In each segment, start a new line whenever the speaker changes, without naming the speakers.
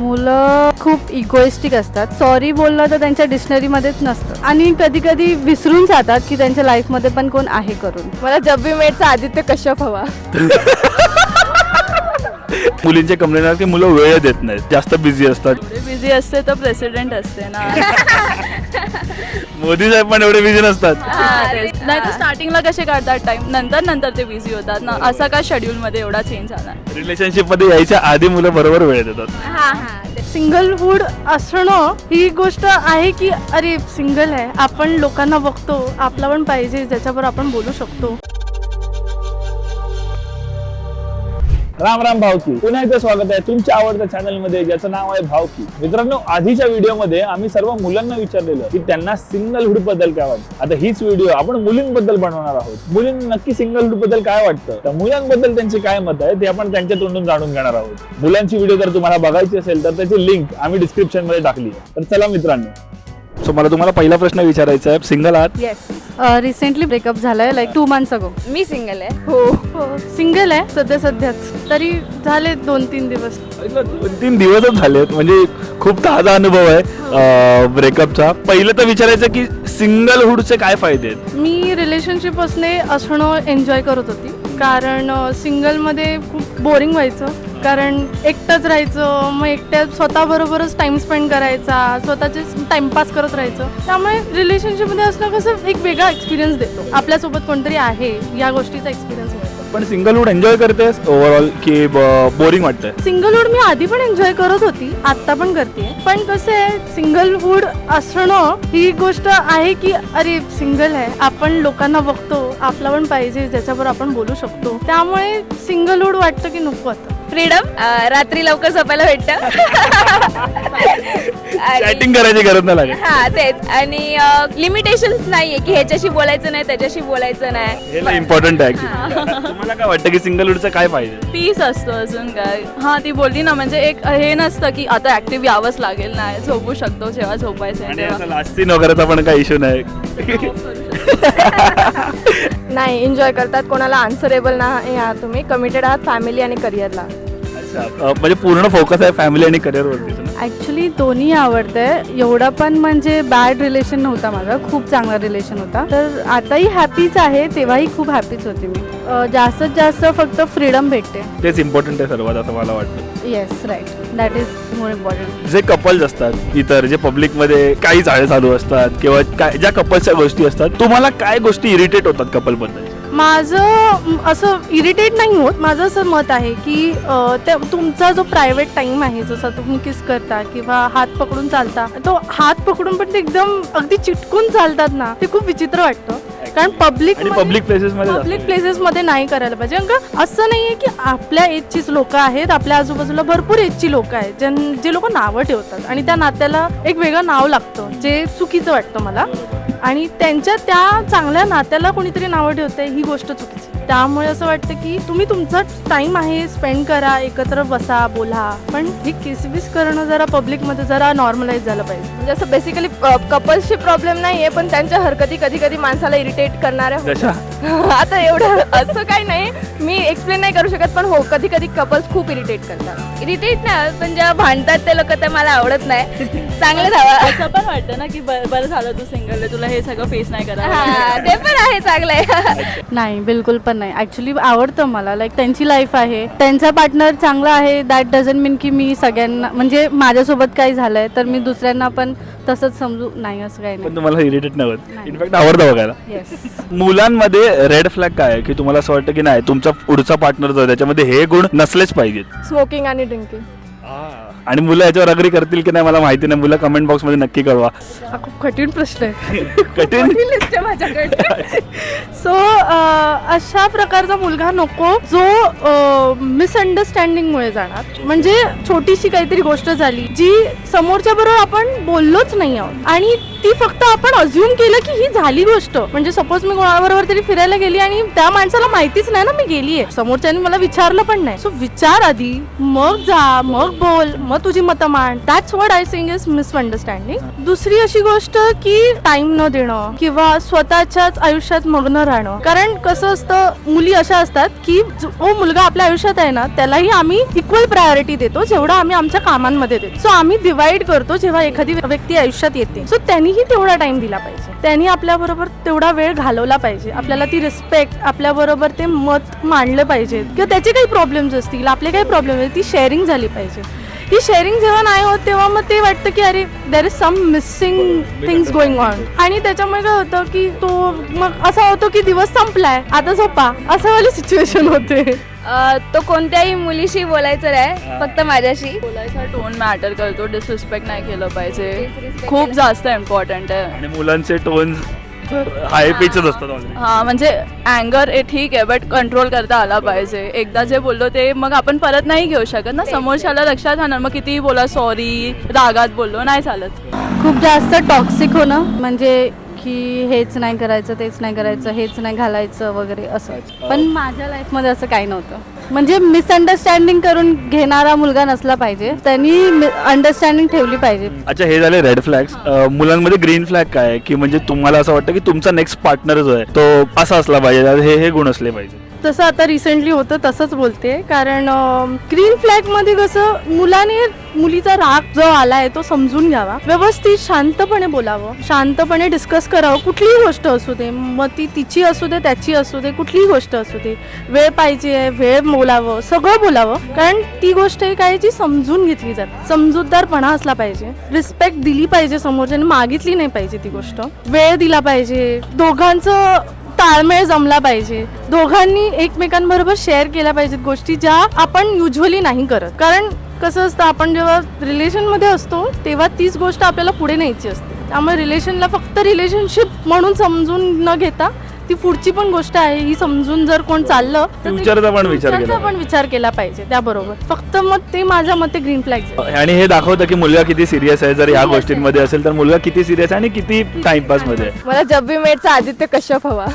मुलं खूप इगोइस्टिक असतात. सॉरी बोलणं तर त्यांच्या डिक्शनरीमध्येच नसतं आणि कधी कधी विसरून जातात की त्यांच्या लाईफमध्ये पण कोण आहे करून.
मला जब वी मेटचा आदित्य कश्यप हवा.
मुलींचे कंप्लेंट आहे की मुलं वेळ देत नाहीत, जास्त बिझी असतात.
बिझी असते तर प्रेसिडेंट असते ना.
मोदी साहेब पण एवढे बिझी नसतात.
नाही तर स्टार्टिंगला कसे काढतात टाइम, नंतर ते बिझी होतात ना. असा का शेड्यूल मध्ये एवढा चेंज झाला.
रिलेशनशिप मध्ये यायच्या आधी मुलं बरोबर वेळ देतात.
सिंगलहुड असणं ही गोष्ट आहे की अरे सिंगल आहे, आपण लोकांना बघतो, आपला पण पाहिजे ज्याच्यावर आपण बोलू शकतो.
राम राम भावकी, पुन्हा एकदा स्वागत आहे तुमच्या आवडत्या चॅनल मध्ये ज्याचं नाव आहे भावकी. मित्रांनो, आधीच्या व्हिडिओ मध्ये आम्ही सर्व मुलांना विचारलेलं की त्यांना सिंगलहुड बद्दल काय वाटतं. आता हीच व्हिडिओ आपण मुलींबद्दल बनवणार आहोत. मुलींना नक्की सिंगलहुड बद्दल काय वाटतं, तर मुलांबद्दल त्यांची काय मत आहे ते आपण त्यांच्या तोंडून जाणून घेणार आहोत. मुलांची व्हिडिओ जर तुम्हाला बघायची असेल तर त्याची लिंक आम्ही डिस्क्रिप्शन मध्ये टाकली आहे. तर चला मित्रांनो,
सो मला तुम्हाला पहिला प्रश्न विचारायचा आहे, सिंगल आहात?
येस,
रिसेंटली ब्रेकअप झालाय लाईक 2 months अगो.
मी सिंगल आहे.
हो सिंगल आहे सध्याच, तरी झाले 2-3 दिवस.
2-3 दिवसच झालेत, म्हणजे खूप ताजा अनुभव आहे ब्रेकअपचा. पहिलं तर विचारायचं की सिंगलहुडचे काय फायदे आहेत?
मी रिलेशनशिप असणं एन्जॉय करत होती, कारण सिंगलमध्ये खूप बोरिंग व्हायचं, कारण एकटंच राहायचं, मग एकट्या स्वतःबरोबरच टाइम स्पेंड करायचा, स्वतःचे टाइमपास करत राहायचं. त्यामुळे रिलेशनशिपमध्ये असणं कसं एक वेगळा एक्सपिरियन्स देतो, आपल्यासोबत कोणतरी आहे या गोष्टीचा एक्सपिरियन्स मिळतो.
पण सिंगलहुड एन्जॉय करतेस ओव्हरऑल की बोरिंग वाटतंय?
सिंगलहुड मी आधी पण एन्जॉय करत होती, आता पण करते. पण कसं आहे, सिंगलहुड असणं ही गोष्ट आहे की अरे सिंगल आहे, आपण लोकांना बघतो, आपला पण पाहिजे ज्याच्यावर आपण बोलू शकतो. त्यामुळे सिंगलहुड वाटतं की नको आता.
फ्रीडम, रात्री लवकर झोपायला भेटतं.
चॅटिंग करायची गरज नाही लागत.
हा तेच, आणि लिमिटेशन्स नाहीये की ह्याच्याशी बोलायचं नाही, त्याच्याशी बोलायचं नाही.
हे इम्पॉर्टंट आहे actually. तुम्हाला काय वाटतं की सिंगलहुडचा काय फायदे?
पीस असतो अजून काय. हा ती बोलली ना, म्हणजे एक हे नसतं की आता ऍक्टिव्ह यावंच लागेल, नाही झोपू शकतो जेव्हा झोपायचं
आणि
तेव्हा.
असं लास्ट सीन वगैरेचा पण काही इश्यू नाही.
नाही, एन्जॉय करतात. कोणाला आन्सरेबल नाही आहात तुम्ही, कमिटेड आहात फॅमिली आणि करिअरला.
अच्छा, म्हणजे पूर्ण फोकस आहे फॅमिली आणि करिअरवरती.
ॲक्च्युली दोन्ही आवडतंय. एवढा पण म्हणजे बॅड रिलेशन नव्हता माझा, खूप चांगला रिलेशन होता. तर आताही हॅपीच आहे, तेव्हाही खूप हॅपीच होते मी. जास्तीत जास्त फक्त फ्रीडम भेटते.
तेच इम्पॉर्टंट आहे सर्वात, असं मला वाटतं.
Yes, right, that is more important.
जे कपल्स असतात इतर, जे पब्लिकमध्ये काही चाळे चालू असतात किंवा काय ज्या कपल्सच्या गोष्टी असतात, तुम्हाला काय गोष्टी इरिटेट होतात कपलबद्दल?
माझं असं इरिटेट नाही होत. माझं असं मत आहे की तुमचा जो प्रायव्हेट टाइम आहे, जसा तुम्ही किस करता किंवा हात पकडून चालता, तो हात पकडून पण ते एकदम अगदी चिटकून चालतात ना, ते खूप विचित्र वाटतं. कारण पब्लिक प्लेसेस मध्ये नाही करायला पाहिजे. कारण असं नाहीये की आपल्या एजचीच लोक आहेत, आपल्या आजूबाजूला भरपूर एजची लोक आहेत जे लोक नावं ठेवतात आणि त्या नात्याला एक वेगळं नाव लागतं, जे चुकीचं वाटतं मला. आणि त्यांच्या त्या चांगल्या नात्याला कोणीतरी नावं ठेवतंय, ही गोष्ट चुकीची. त्यामुळे असं वाटतं की तुम्ही तुमचा टाइम आहे स्पेंड करा, एकत्र बसा, बोला, पण हे किसबिस करणं जरा पब्लिकमध्ये जरा नॉर्मलाइज झालं पाहिजे.
म्हणजे असं बेसिकली कपल्सची प्रॉब्लेम नाहीये, पण त्यांच्या हरकती कधी कधी माणसाला इरिटेट करणाऱ्या होतात. आता एवढं असं काही नाही, मी एक्सप्लेन नाही करू शकत, पण हो कधी कधी कपल्स खूप इरिटेट करतात.
इरिटेट नाही, पण जेव्हा भांडतात ते लोक ते मला आवडत नाही. चांगलं धावा. असं पण वाटतं ना की बरं झालं तू सिंगल आहे, तुला हे सगळं फेस नाही करायला.
ते पण आहे, चांगलं आहे.
नाही, बिलकुल पण नाही. ॲक्च्युली आवडतं मला, लाईक त्यांची लाईफ आहे, त्यांचा पार्टनर चांगला आहे, दॅट डझंट मीन की मी सगळ्यांना, म्हणजे माझ्यासोबत काही झालंय तर मी दुसऱ्यांना पण तसंच समजू, नाही असं काही
पण
नाही.
तुम्हाला इरिटेट नाही होत, इनफॅक्ट आवडतं बघायला.
येस.
मुलांमध्ये रेड फ्लॅग काय आहे की तुम्हाला असं वाटतं की नाही तुमचा पुढचा पार्टनर जो आहे त्याच्यामध्ये हे गुण नसलेच पाहिजेत?
स्मोकिंग आणि ड्रिंकिंग.
आणि मुलं याच्यावर अग्री करतील की नाही मला माहिती नाही. मुलं कमेंट बॉक्स मध्ये नक्की कळवा.
हा खूप कठीण प्रश्न आहे.
कठीण.
लिस्ट आहे माझ्याकडे.
सो अशा प्रकारचा मुलगा नको जो मिसअंडरस्टँडिंगमुळे जाणार. म्हणजे छोटीशी काहीतरी गोष्ट झाली जी समोरच्या बरोबर आपण बोललोच नाही आहोत आणि ती फक्त आपण अज्युम केलं की ही झाली गोष्ट. म्हणजे सपोज मी कोणाबरोबर तरी फिरायला गेली आणि त्या माणसाला माहितीच नाही ना मी गेलीये, समोरच्याने मला विचारलं पण नाही. सो विचार आधी, मग जा, मग बोल, मग तुझी मतं मांड. That's what I saying is misunderstanding. दुसरी अशी गोष्ट की टाइम न देणं किंवा स्वतःच्याच आयुष्यात मग्न राहणं. कारण कसं असतं, मुली अशा असतात की जो मुलगा आपल्या आयुष्यात आहे ना त्यालाही आम्ही इक्वल प्रायोरिटी देतो जेवढा आम्ही आमच्या कामांमध्ये देतो. सो आम्ही डिवाइड करतो जेव्हा एखादी व्यक्ती आयुष्यात येते. सो त्यांनीही तेवढा टाइम दिला पाहिजे, त्यांनी आपल्याबरोबर तेवढा वेळ घालवला पाहिजे, आपल्याला ती रिस्पेक्ट, आपल्याबरोबर ते मत मांडलं पाहिजे किंवा त्याचे काही प्रॉब्लेम्स असतील, आपले काही प्रॉब्लेम असतील, ती शेअरिंग झाली पाहिजे. ही शेअरिंग जेव्हा नाही होत तेव्हा मग ते वाटतं की अरे there is some missing things going on. आणि त्याच्यामुळे काय होतं की तो मग असा होतो की दिवस संपलाय आता झोपा, असं वाली सिच्युएशन होते.
तो कोणत्याही मुलीशी बोलायचं नाही, फक्त माझ्याशी बोलायचा टोन मॅटर करतो. डिसरिस्पेक्ट नाही केलं पाहिजे, खूप जास्त इम्पॉर्टंट आहे.
आणि मुलांचे टोन हाय पिचच असतात already.
हा म्हणजे अँगर ठीक आहे, बट कंट्रोल करता आला पाहिजे. एकदा जे बोललो ते मग आपण परत नाही घेऊ शकत ना, समोरच्याला लक्षात राहणार. मग कितीही बोला सॉरी, रागात बोललो नाही चालत.
खूप जास्त टॉक्सिक होणं, म्हणजे की हेच नाही करायचं, तेच नाही करायचं, हेच नाही घालायचं वगैरे असं. पण माझ्या लाईफमध्ये असं काही नव्हतं. म्हणजे मिसअंडरस्टँडिंग करून घेणारा मुलगा नसला पाहिजे, त्यांनी अंडरस्टँडिंग ठेवली पाहिजे.
अच्छा, हे झाले रेड फ्लॅग्स. मुलांमध्ये ग्रीन फ्लॅग काय आहे की म्हणजे तुम्हाला असं वाटतं की तुमचा नेक्स्ट पार्टनर जो आहे तो असा असला पाहिजे, हे गुण असले पाहिजे.
तसं आता रिसेंटली होतं तसंच बोलते. कारण ग्रीन फ्लॅग मध्ये कसं मुलाने मुलीचा राग जो आलाय तो समजून घ्यावा, व्यवस्थित शांतपणे बोलावं, शांतपणे डिस्कस करावं. कुठलीही गोष्ट असू दे, मग ती तिची असू दे, त्याची असू दे, कुठलीही गोष्ट असू दे, वेळ पाहिजे, वेळ बोलावं, सगळं बोलावं. कारण ती गोष्ट एक आहे जी समजून घेतली जाते. समजूतदारपणा असला पाहिजे, रिस्पेक्ट दिली पाहिजे, समोरच्याने मागितली नाही पाहिजे ती गोष्ट, वेळ दिला पाहिजे, दोघांचं ताळमेळ जमला पाहिजे, दोघांनी एकमेकांबरोबर शेअर केल्या पाहिजेत गोष्टी ज्या आपण युजली नाही करत. कारण कसं असतं, आपण जेव्हा रिलेशनमध्ये असतो तेव्हा तीच गोष्ट आपल्याला पुढे न्यायची असते. त्यामुळे रिलेशनला फक्त रिलेशनशिप म्हणून समजून न घेता ती पुढची पण गोष्ट आहे ही समजून जर कोण चाललं तर
फ्युचरचा पण विचार केला
फ्युचरचा पण विचार केला पाहिजे त्याबरोबर. फक्त मग ते माझ्या मते ग्रीन फ्लॅग.
आणि हे दाखवतं की मुलगा किती सिरियस आहे. जर या गोष्टींमध्ये असेल तर मुलगा किती सिरियस आहे आणि किती टाइमपास मध्ये आहे.
मला जब बी मेटचा आदित्य कश्यप हवा.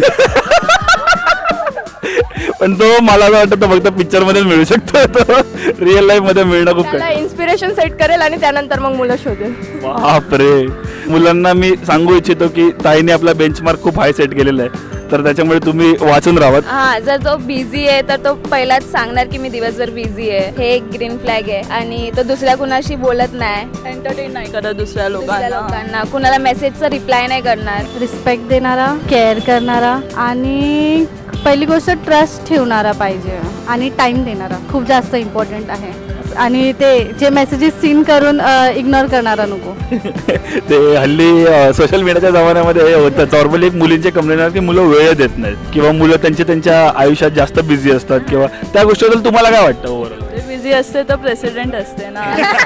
पण तो मला असं वाटतं फक्त पिक्चर मध्ये मिळू शकतो, तो रिअल लाईफ मध्ये मिळणं खूप
त्याला इन्स्पिरेशन सेट करेल आणि त्यानंतर मग मुलं शोधेल.
बापरे. मुलांना मी सांगू इच्छितो की ताईने आपला बेंचमार्क खूप हाय सेट केलेला आहे, तर त्याच्यामुळे तुम्ही वाचून राहावं.
हा, जर तो बिझी आहे तर तो पहिलाच सांगणार की मी दिवसभर बिझी आहे, हे एक ग्रीन फ्लॅग आहे. आणि तो दुसऱ्या कुणाशी बोलत नाही, एंटरटेन नाही करत दुसऱ्या लोकांना, कुणाला मेसेजचा रिप्लाय नाही करणार.
रिस्पेक्ट देणारा, केअर करणारा आणि पहिली गोष्ट ट्रस्ट ठेवणारा पाहिजे आणि टाइम देणारा खूप जास्त इम्पॉर्टंट आहे. आणि ते जे मेसेजेस सीन करून इग्नोर करणारा नको.
ते हल्ली सोशल मीडियाच्या जमान्यामध्ये हे होतं. नॉर्मली मुलींचे कंप्लेंट की मुलं वेळ देत नाहीत किंवा मुलं त्यांच्या आयुष्यात जास्त बिझी असतात किंवा त्या गोष्टीबद्दल तुम्हाला काय वाटतं ओव्हरऑल?
बिझी असते तर प्रेसिडेंट असते ना.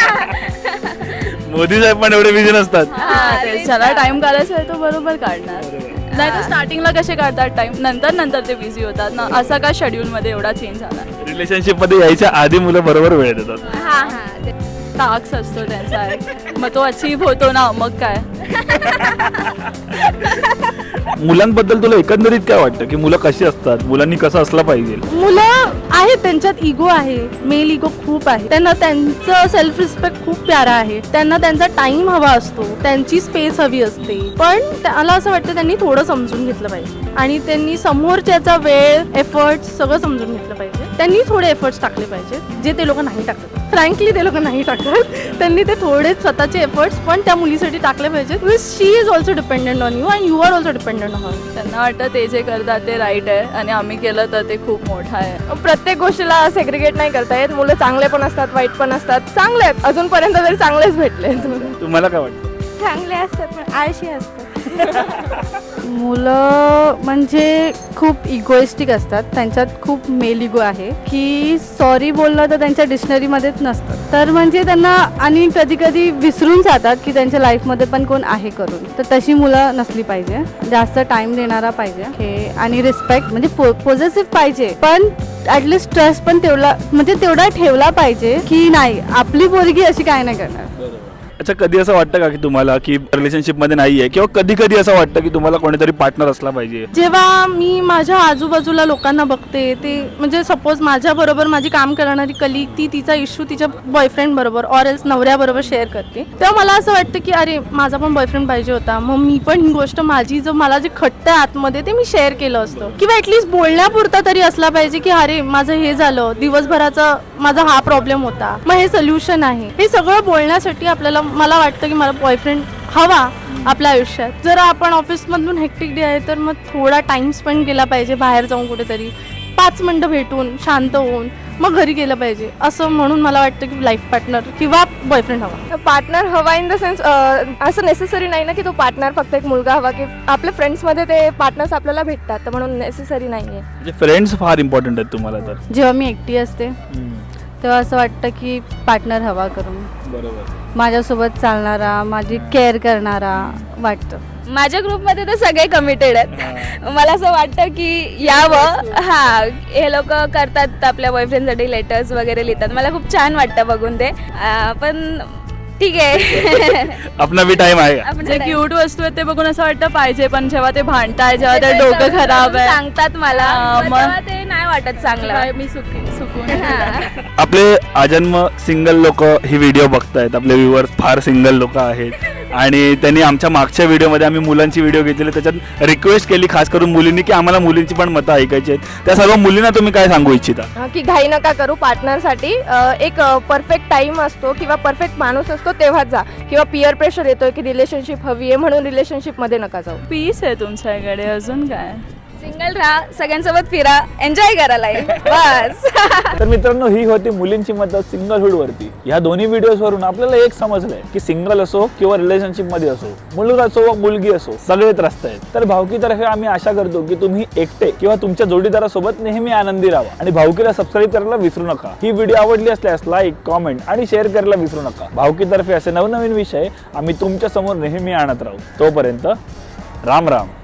मोदी साहेब पण एवढे बिझी नसतात.
ज्याला टाइम काढायचा आहे तो बरोबर काढणार. नाही तर स्टार्टिंगला कसे काढतात टाइम, नंतर ते बिझी होतात ना. असा का शेड्यूल मध्ये एवढा चेंज झाला.
रिलेशनशिप मध्ये यायच्या आधी मुलं बरोबर वेळ देतात.
टास्क असतो त्यांचा एक, मग तो अचीव्ह होतो ना, मग काय.
मुलांबद्दल तुला एकंदरीत काय वाटतं की मुलं कशी असतात, मुलांनी कसं असलं पाहिजे?
मुलं आहेत त्यांच्यात इगो आहे, मेल इगो खूप आहे. त्यांना त्यांचं सेल्फ रिस्पेक्ट खूप प्यारा आहे, त्यांना त्यांचा टाइम हवा असतो, त्यांची स्पेस हवी असते. पण मला असं वाटतं त्यांनी थोडं समजून घेतलं पाहिजे आणि त्यांनी समोरच्याचा वेळ, एफर्ट्स सगळं समजून घेतलं पाहिजे. त्यांनी थोडे एफर्ट्स टाकले पाहिजे जे ते लोक नाही टाकत. फ्रँकली ते लोक नाही टाकत. त्यांनी ते थोडे स्वतःचे एफर्ट्स पण त्या मुलीसाठी टाकले पाहिजेत. She is also dependent on you and you are also dependent on her.
त्यांना वाटतं ते जे करतात ते राईट आहे आणि आम्ही केलं तर ते खूप मोठं आहे.
प्रत्येक गोष्टीला सेग्रिगेट नाही करता येत. मुलं चांगले पण असतात, वाईट पण असतात. चांगले आहेत, अजूनपर्यंत तरी चांगलेच भेटले.
तुम्हाला काय वाटतं?
चांगले असतात पण आळशी असतात. मुलं म्हणजे खूप इगोइस्टिक असतात, त्यांच्यात खूप मेल इगो आहे की सॉरी बोलणं तर त्यांच्या डिक्शनरीमध्येच नसतं. तर म्हणजे त्यांना आणि कधी कधी विसरून जातात की त्यांच्या लाईफमध्ये पण कोण आहे करून. तर तशी मुलं नसली पाहिजे. जास्त टाइम देणारा पाहिजे हे आणि रिस्पेक्ट म्हणजे पॉझिटिव्ह पाहिजे, पण ॲटलिस्ट ट्रस्ट पण तेवढा ठेवला पाहिजे की नाही आपली पोरगी अशी काय नाही करणार.
अच्छा, कधी असं वाटतं का की तुम्हाला की रिलेशनशिपमध्ये नाहीये, किंवा कधी कधी असं वाटतं की तुम्हाला कोणीतरी पार्टनर असला पाहिजे?
जेव्हा मी माझ्या आजूबाजूला लोकांना बघते, ते म्हणजे सपोज माझ्या बरोबर माझी काम करणारी कलीग ती तिचा इश्यू तिच्या बॉयफ्रेंड बरोबर ऑर एल्स नवऱ्याबरोबर शेअर करते, तेव्हा मला असं वाटतं की अरे माझा पण बॉयफ्रेंड पाहिजे होता, मग मी पण ही गोष्ट माझी जो मला जे खटतं आतमध्ये ते मी शेअर केलं असतं, किंवा ॲटलिस्ट बोलण्यापुरता तरी असला पाहिजे की अरे माझं हे झालं, दिवसभराचा माझा हा प्रॉब्लेम होता, मग हे सोल्युशन आहे. हे सगळं बोलण्यासाठी आपल्याला मला वाटतं की मला बॉयफ्रेंड हवा आपल्या आयुष्यात. जर आपण ऑफिसमधून हेक्टिक डे आहे तर मग थोडा टाइम स्पेंड केला पाहिजे बाहेर जाऊन कुठेतरी 5 मिनिटं भेटून शांत होऊन मग घरी गेलं पाहिजे, असं म्हणून मला वाटतं की लाईफ पार्टनर किंवा बॉयफ्रेंड हवा.
पार्टनर हवा इन द सेन्स असं नेसेसरी नाही ना की तो पार्टनर फक्त एक मुलगा हवा, की आपल्या फ्रेंड्समध्ये ते पार्टनर्स आपल्याला भेटतात, तर म्हणून नेसेसरी नाही आहे.
म्हणजे फ्रेंड्स फार इम्पॉर्टंट आहेत तुम्हाला तर?
जेव्हा मी एकटी असते तेव्हा असं वाटतं की पार्टनर हवा करून,
बरोबर.
माझ्यासोबत चालणारा, माझी केअर करणारा वाटतं.
माझ्या ग्रुपमध्ये तर सगळे कमिटेड आहेत. मला असं वाटतं की यावं. हा, हे लोक करतात आपल्या बॉयफ्रेंडसाठी लेटर्स वगैरे लिहितात, मला खूप छान वाटतं बघून ते. पण ठीक आहे.
आपला बी टाइम आहे का?
आपण
जे क्यूट वस्तू आहेत ते बघून असं वाटतं पाहिजे, पण जेव्हा ते भांडताय, जेव्हा ते डोकं खराब आहे,
सांगतात मला,
मग-
तेव्हा ते नाही वाटत चांगलं.
मी सुकून
हा.
आपले आजन्म सिंगल लोक ही व्हिडिओ बघतायत, आपले व्ह्युअर्स फार सिंगल लोक आहेत, आणि त्यांनी आमच्या मागच्या व्हिडिओमध्ये आम्ही मुलांची व्हिडिओ घेतलेली, त्याच्यात रिक्वेस्ट केली खास करून मुलींनी की आम्हाला मुलींची पण मतं ऐकायची आहेत. त्या सर्व मुलींना तुम्ही काय सांगू इच्छिता?
की घाई नका करू पार्टनरसाठी. एक परफेक्ट टाइम असतो किंवा परफेक्ट माणूस असतो तेव्हाच जा, किंवा पिअर प्रेशर येतोय की रिलेशनशिप हवी आहे म्हणून रिलेशनशिपमध्ये नका जाऊ.
पीस आहे तुमच्याकडे, अजून काय?
सिंगल राहा, सगळ्यांसोबत फिरा, एन्जॉय करा लाईफ, बस.
तर मित्रांनो, ही होती मुलींची मतं सिंगलहुड वरती. या दोन्ही व्हिडिओज वरून आपल्याला एक समजलंय की सिंगल असो किंवा रिलेशनशिप मध्ये असो, मुलगा असो व मुलगी असो, सगळे त्रस्त आहेत. तर भावकीतर्फे आम्ही आशा करतो की तुम्ही एकटे किंवा तुमच्या जोडीदारासोबत नेहमी आनंदी राहा, आणि भावकीला सबस्क्राईब करायला विसरू नका. ही व्हिडिओ आवडली असल्यास लाईक, कॉमेंट आणि शेअर करायला विसरू नका. भावकीतर्फे असे नवनवीन विषय आम्ही तुमच्या समोर नेहमी आणत राहू. तोपर्यंत राम राम.